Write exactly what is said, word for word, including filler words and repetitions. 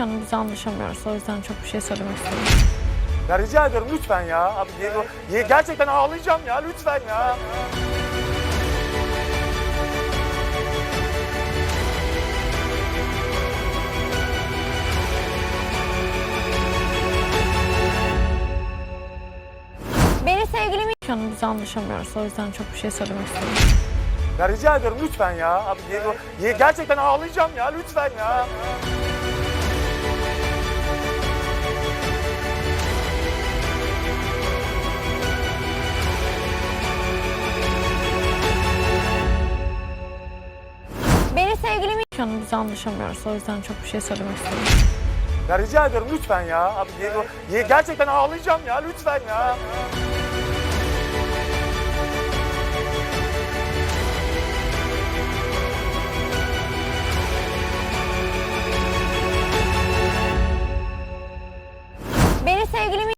Şu an biz anlaşamıyoruz. O yüzden çok bir şey söylemek istemiyorum. Ya rica ediyorum lütfen ya. Abi Diego, ye- gerçekten ağlayacağım ya lütfen ya. Beni sevgilimi... Şu an biz anlaşamıyoruz. O yüzden çok bir şey söylemek istemiyorum. Ya rica ediyorum lütfen ya. Abi Diego, ye- gerçekten ağlayacağım ya lütfen ya. Beni sevgilimi... Şu an biz anlaşamıyoruz. O yüzden çok bir şey söylemek istemiyorum. Ya rica ediyorum lütfen ya. Abi Diego, ye- gerçekten ağlayacağım ya lütfen ya. Beni sevgilimi...